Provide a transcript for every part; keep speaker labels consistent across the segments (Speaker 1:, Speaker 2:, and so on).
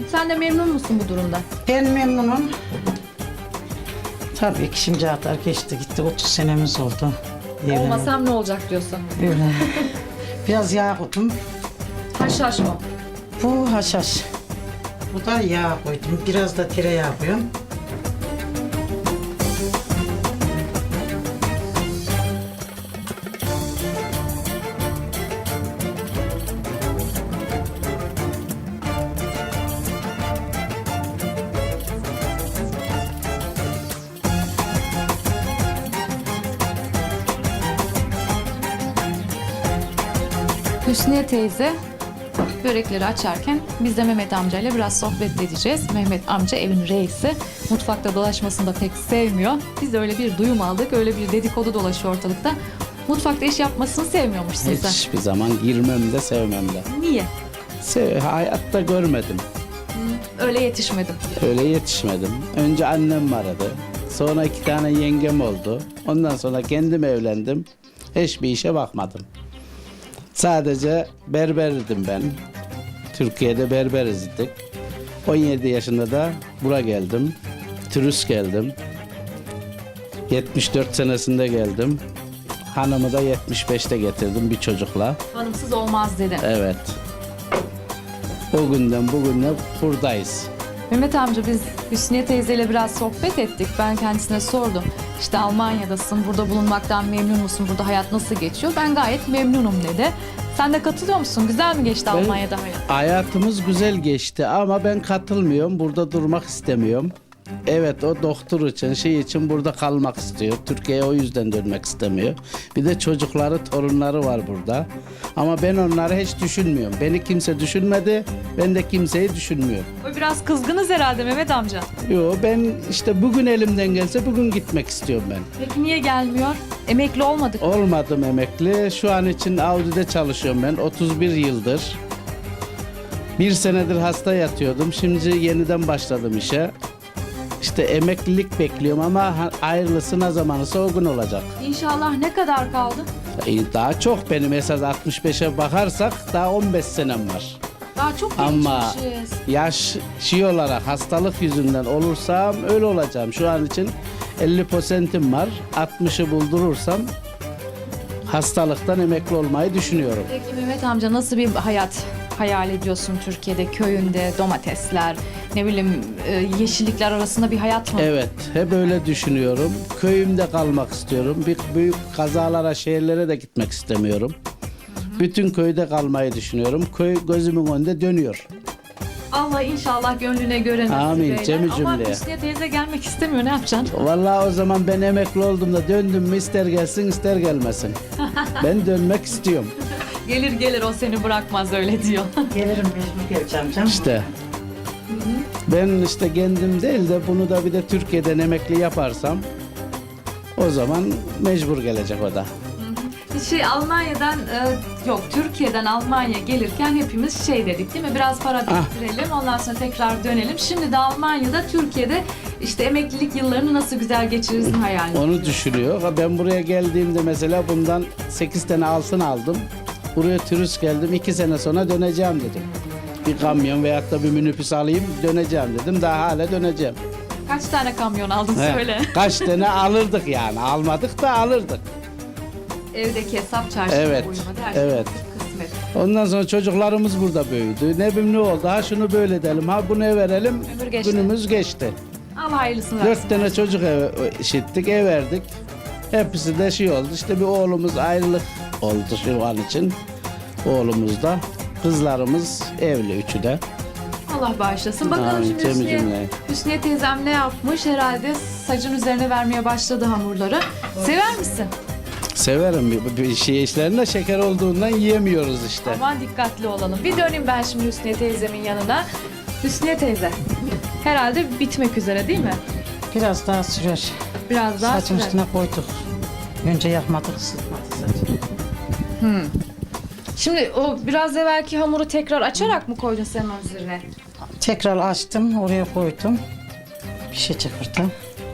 Speaker 1: Sen de memnun musun bu durumda?
Speaker 2: Ben memnunum. Tabii ki şimdi kadar geçti gitti. 30 senemiz oldu. Evleneli.
Speaker 1: Olmasam ne olacak diyorsun?
Speaker 2: Öyle. Biraz yağ koydum.
Speaker 1: Haşhaş mı?
Speaker 2: Bu haşhaş. Bu da yağ koydum. Biraz da tereyağı koyuyorum.
Speaker 1: Hüsniye teyze börekleri açarken biz de Mehmet amcayla biraz sohbet edeceğiz. Mehmet amca evin reisi. Mutfakta dolaşmasını da pek sevmiyor. Biz de öyle bir duyum aldık. Öyle bir dedikodu dolaşıyor ortalıkta. Mutfakta iş yapmasını sevmiyormuş sizden.
Speaker 3: Hiçbir zaman girmem de sevmem de.
Speaker 1: Niye?
Speaker 3: Hayatta görmedim.
Speaker 1: Öyle yetişmedim.
Speaker 3: Öyle yetişmedim. Önce annem aradı. Sonra 2 tane yengem oldu. Ondan sonra kendim evlendim. Hiçbir işe bakmadım. Sadece berberdim ben. Türkiye'de berberiz idik. 17 yaşında da buraya geldim. Turist geldim. 74 senesinde geldim. Hanımı da 75'te getirdim bir çocukla.
Speaker 1: Hanımsız olmaz dedi.
Speaker 3: Evet. O günden bugüne buradayız.
Speaker 1: Mehmet amca biz Hüsniye teyzeyle biraz sohbet ettik. Ben kendisine sordum. İşte Almanya'dasın, burada bulunmaktan memnun musun? Burada hayat nasıl geçiyor? Ben gayet memnunum dedi. Sen de katılıyor musun? Güzel mi geçti Almanya'da hayat?
Speaker 3: Hayatımız güzel geçti ama ben katılmıyorum. Burada durmak istemiyorum. Evet, o doktor için burada kalmak istiyor. Türkiye'ye o yüzden dönmek istemiyor. Bir de çocukları, torunları var burada. Ama ben onları hiç düşünmüyorum. Beni kimse düşünmedi, ben de kimseyi düşünmüyorum.
Speaker 1: O biraz kızgınız herhalde Mehmet amca.
Speaker 3: Yo, ben işte bugün elimden gelse bugün gitmek istiyorum ben.
Speaker 1: Peki niye gelmiyor? Emekli olmadık.
Speaker 3: Olmadım emekli. Şu an için Audi'de çalışıyorum ben 31 yıldır. 1 senedir hasta yatıyordum. Şimdi yeniden başladım işe. İşte emeklilik bekliyorum ama hayırlısı ne zamanısa o gün olacak.
Speaker 1: İnşallah ne kadar kaldı?
Speaker 3: Daha çok benim esas 65'e bakarsak daha 15 senem var.
Speaker 1: Daha çok
Speaker 3: Ama
Speaker 1: gençmişiz.
Speaker 3: yaş olarak hastalık yüzünden olursam öyle olacağım. Şu an için 50%'im var. 60'ı buldurursam hastalıktan emekli olmayı düşünüyorum.
Speaker 1: Peki Mehmet amca nasıl bir hayat hayal ediyorsun Türkiye'de? Köyünde domatesler, ne bileyim yeşillikler arasında bir hayat mı?
Speaker 3: Evet, hep öyle düşünüyorum. Köyümde kalmak istiyorum. Büyük kazalara, şehirlere de gitmek istemiyorum. Bütün köyde kalmayı düşünüyorum. Köy gözümün önünde dönüyor.
Speaker 1: Allah inşallah gönlüne göre nasip
Speaker 3: Amin,
Speaker 1: eyler.
Speaker 3: cemi
Speaker 1: Ama
Speaker 3: cümleye.
Speaker 1: Hüsniye teyze gelmek istemiyor, ne yapacaksın?
Speaker 3: Vallahi o zaman ben emekli olduğumda döndüm mü ister gelsin ister gelmesin. Ben dönmek istiyorum.
Speaker 1: Gelir gelir, o seni bırakmaz öyle diyor.
Speaker 2: Gelirim mecbur geleceğim canım.
Speaker 3: İşte. Ben işte kendim değil de bunu da bir de Türkiye'den emekli yaparsam o zaman mecbur gelecek o da.
Speaker 1: Almanya'dan yok Türkiye'den Almanya gelirken hepimiz şey dedik değil mi? Biraz para biriktirelim, ondan sonra tekrar dönelim. Şimdi de Almanya'da, Türkiye'de işte emeklilik yıllarını nasıl güzel geçirirsin hayalini.
Speaker 3: Onu düşünüyor. Ben buraya geldiğimde mesela bundan 8 tane altın aldım. Buraya turist geldim. 2 sene sonra döneceğim dedim. Bir kamyon veyahut da bir minibüs alayım döneceğim dedim. Daha hala döneceğim.
Speaker 1: Kaç tane kamyon aldın
Speaker 3: He,
Speaker 1: söyle.
Speaker 3: Kaç tane alırdık yani. Almadık da alırdık.
Speaker 1: Evdeki hesap çarşıya
Speaker 3: Evet,
Speaker 1: uymadı. Her şey
Speaker 3: evet.
Speaker 1: kısmet.
Speaker 3: Ondan sonra çocuklarımız burada büyüdü. Ne bileyim ne oldu. Ha şunu böyle edelim. Ha bunu verelim.
Speaker 1: Ömür geçti.
Speaker 3: Günümüz geçti.
Speaker 1: Allah hayırlısını versin.
Speaker 3: 4 tane çocuk işittik, ev verdik. Hepsi de şey oldu. İşte bir oğlumuz ayrılık oldu şu an için. Oğlumuz da. Kızlarımız evli üçü de.
Speaker 1: Allah bağışlasın. Bakalım
Speaker 3: Amin,
Speaker 1: şimdi
Speaker 3: cemi
Speaker 1: Hüsniye,
Speaker 3: cümle.
Speaker 1: Hüsniye teyzem ne yapmış? Herhalde sacın üzerine vermeye başladı hamurları. Sever misin?
Speaker 3: Severim. Bir şey işlerinde şeker olduğundan yiyemiyoruz işte.
Speaker 1: Aman dikkatli olalım. Bir döneyim ben şimdi Hüsniye teyzemin yanına. Hüsniye teyze, herhalde bitmek üzere değil mi?
Speaker 2: Biraz daha sürer.
Speaker 1: Biraz daha
Speaker 2: Saçın
Speaker 1: sürer.
Speaker 2: üstüne koyduk. Önce yakmadık, ısıtmadık saçı.
Speaker 1: Şimdi o biraz evvelki hamuru tekrar açarak mı koydun sen onun üzerine?
Speaker 2: Tekrar açtım, oraya koydum. Pişecek orada.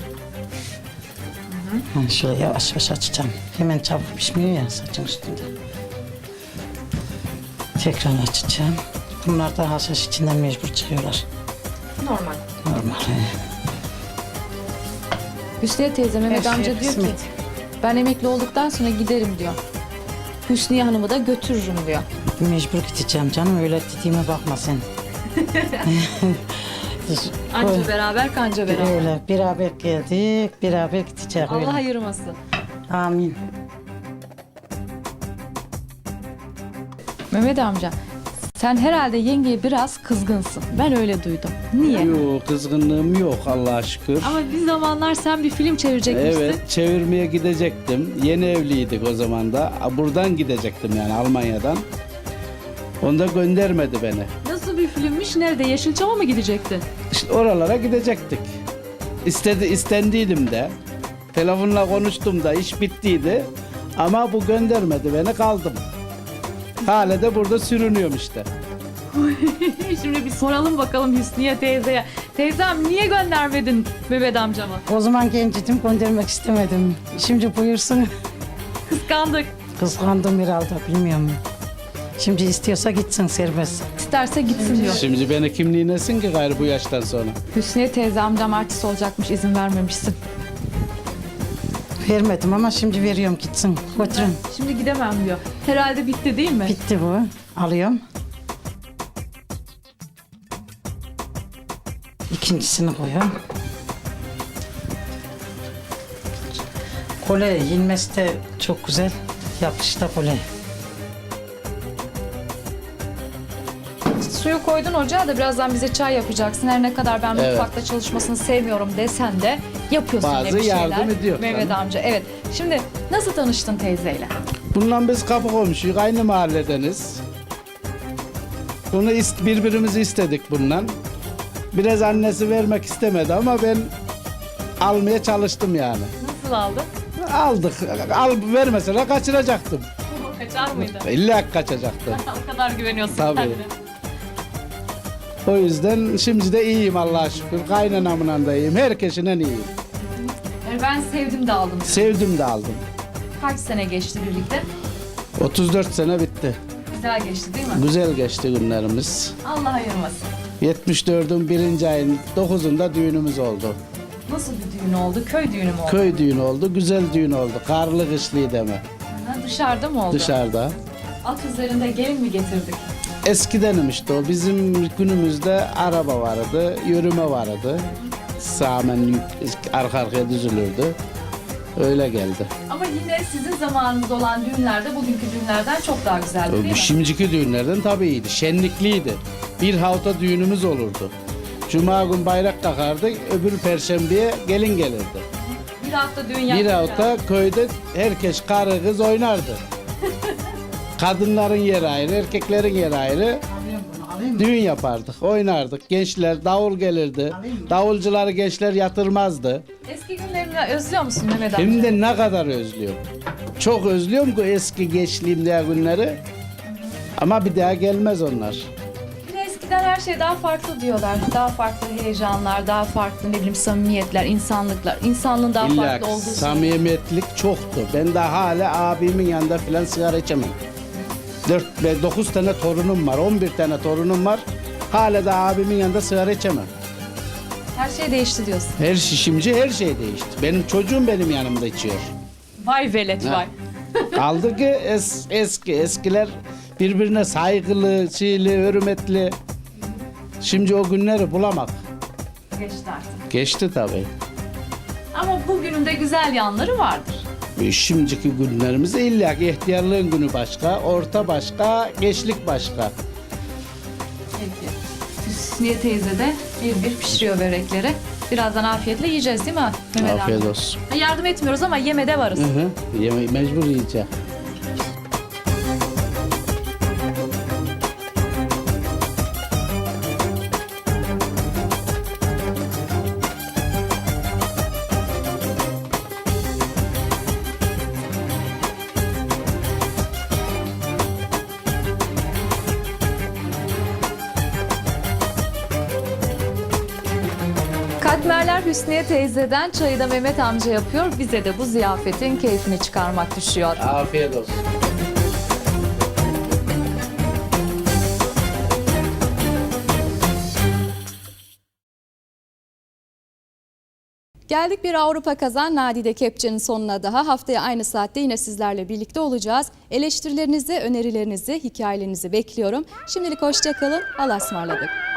Speaker 2: Şöyle yavaş yavaş açacağım. Hemen çabuk pişmiyor ya saçın üstünde. Tekrar açacağım. bunlar da haşhaş içinden mecbur çıkıyorlar.
Speaker 1: Normal.
Speaker 2: Normal.
Speaker 1: Hüsniye teyze Mehmet
Speaker 2: Her şey
Speaker 1: amca diyor ki
Speaker 2: kısmet.
Speaker 1: ben emekli olduktan sonra giderim diyor. Hüsniye Hanım'ı da götürürüm diyor.
Speaker 2: Mecbur gideceğim canım, öyle dediğime bakma sen.
Speaker 1: Anca beraber kanca beraber.
Speaker 2: Öyle beraber geldik, beraber gideceğiz öyle.
Speaker 1: Allah ayırmasın.
Speaker 2: Amin.
Speaker 1: Mehmet amca sen herhalde yengeye biraz kızgınsın. Ben öyle duydum. Niye?
Speaker 3: Yok, kızgınlığım yok Allah'a şükür.
Speaker 1: Ama bir zamanlar sen bir film çevirecekmişsin.
Speaker 3: Evet, çevirmeye gidecektim. Yeni evliydik o zaman da. Buradan gidecektim yani Almanya'dan. Onda göndermedi beni.
Speaker 1: Nasıl bir filmmiş? Nerede? Yeşilçam'a mı gidecektin?
Speaker 3: İşte oralara gidecektik. İstendiydim de. Telefonla konuştum da iş bittiydi. Ama bu göndermedi beni, kaldım. Hala da burada sürünüyorum işte.
Speaker 1: Şimdi bir soralım bakalım Hüsniye teyzeye. Teyzem niye göndermedin Mehmet amcama?
Speaker 2: O zaman gencidim, göndermek istemedim. Şimdi buyursun.
Speaker 1: Kıskandık.
Speaker 2: Kıskandım herhalde, bilmiyorum. Şimdi istiyorsa gitsin serbest.
Speaker 1: İsterse gitsin diyor.
Speaker 3: Şimdi beni kimliğinesin ki gayrı bu yaştan sonra.
Speaker 1: Hüsniye teyze amcam artist olacakmış, izin vermemişsin.
Speaker 2: Vermedim ama şimdi veriyorum, gitsin. Götürün.
Speaker 1: Şimdi gidemem diyor. Herhalde bitti değil mi?
Speaker 2: Bitti bu. Alıyorum. İkincisini koyuyorum. Kole yenmesi de çok güzel. Yapışta kole.
Speaker 1: Suyu koydun ocağa da birazdan bize çay yapacaksın. Her ne kadar ben
Speaker 3: Evet.
Speaker 1: mutfakta çalışmasını sevmiyorum desen de yapıyorsun
Speaker 3: Bazı
Speaker 1: yine bir şeyler.
Speaker 3: yardım ediyor.
Speaker 1: Mehmet amca evet. Şimdi nasıl tanıştın teyzeyle?
Speaker 3: Bundan biz kapı komşuyuz, aynı mahalledeniz. Bunu birbirimizi istedik bundan. Biraz annesi vermek istemedi ama ben almaya çalıştım yani.
Speaker 1: Nasıl aldın?
Speaker 3: Aldık. Vermeseler kaçıracaktım.
Speaker 1: Kaçar mıydı?
Speaker 3: İlla kaçacaktım.
Speaker 1: O kadar güveniyorsun
Speaker 3: Tabii.
Speaker 1: kendine.
Speaker 3: O yüzden şimdi de iyiyim Allah'a şükür. Kaynanamla da iyiyim. Herkesinden iyiyim.
Speaker 1: Yani ben sevdim de aldım.
Speaker 3: Sevdim de aldım.
Speaker 1: Kaç sene geçti birlikte?
Speaker 3: 34 sene bitti.
Speaker 1: Güzel geçti değil mi?
Speaker 3: Güzel geçti günlerimiz.
Speaker 1: Allah ayırmasın.
Speaker 3: 74'ün 1. ayın 9'unda düğünümüz oldu.
Speaker 1: Nasıl bir düğün oldu? Köy düğünü mü oldu?
Speaker 3: Köy düğünü oldu, güzel düğün oldu. Karlı kışlıydı deme.
Speaker 1: Ha, dışarıda mı oldu?
Speaker 3: Dışarıda.
Speaker 1: At üzerinde gelin mi getirdik?
Speaker 3: Eskidenim işte o. Bizim günümüzde araba vardı, yürüme vardı. Sağmen arka arkaya düzülürdü. Öyle geldi.
Speaker 1: Ama yine sizin zamanınızda olan düğünlerde bugünkü düğünlerden çok daha güzeldi değil mi?
Speaker 3: Şimdiki düğünlerden tabii iyiydi. Şenlikliydi. Bir hafta düğünümüz olurdu. Cuma gün bayrak takardık, öbür perşembeye gelin gelirdi.
Speaker 1: Bir hafta düğün yaptık.
Speaker 3: Bir hafta köyde herkes karı kız oynardı. Kadınların yeri ayrı, erkeklerin yeri ayrı.
Speaker 2: Alayım bunu, alayım mı?
Speaker 3: Düğün yapardık, oynardık. Gençler davul gelirdi. Davulcuları gençler yatırmazdı.
Speaker 1: Eski günlerini özlüyor musun Mehmet amca?
Speaker 3: Hem de ne kadar özlüyorum. Çok özlüyorum ki eski gençliğimde günleri. Ama bir daha gelmez onlar.
Speaker 1: Bir de eskiden her şey daha farklı diyorlar. Daha farklı heyecanlar, daha farklı ne bileyim samimiyetler, insanlıklar. İnsanlığın daha
Speaker 3: İlla
Speaker 1: farklı olduğu
Speaker 3: samimiyetlik çoktu. Ben de hala abimin yanında filan sigara içemem. 4 ve 9 tane torunum var, 11 tane torunum var. Hala da abimin yanında sigara içemem.
Speaker 1: her şey değişti diyorsun.
Speaker 3: Her şimdi her şey değişti. Benim çocuğum benim yanımda içiyor.
Speaker 1: Vay velet
Speaker 3: Ha.
Speaker 1: vay.
Speaker 3: Kaldı ki eskiler birbirine saygılı, hürmetli. Şimdi o günleri bulamak.
Speaker 1: Geçti artık.
Speaker 3: Geçti tabii.
Speaker 1: Ama bugünün de güzel yanları vardır.
Speaker 3: Şimdiki günlerimizde illa ki ihtiyarlığın günü başka, orta başka, gençlik başka.
Speaker 1: Peki. Hüsniye teyze de bir pişiriyor börekleri. Birazdan afiyetle yiyeceğiz değil mi Mehmet
Speaker 3: Afiyet
Speaker 1: amca?
Speaker 3: olsun.
Speaker 1: Yardım etmiyoruz ama yemede varız.
Speaker 3: Hı hı. Mecbur yiyeceğim.
Speaker 1: Katmerler Hüsniye teyzeden, çayı da Mehmet amca yapıyor. Bize de bu ziyafetin keyfini çıkarmak düşüyor.
Speaker 3: Afiyet olsun.
Speaker 4: Geldik bir Avrupa Kazan Nadide Kepçe'nin sonuna daha. Haftaya aynı saatte yine sizlerle birlikte olacağız. Eleştirilerinizi, önerilerinizi, hikayelerinizi bekliyorum. Şimdilik hoşça kalın. Allah'a ısmarladık.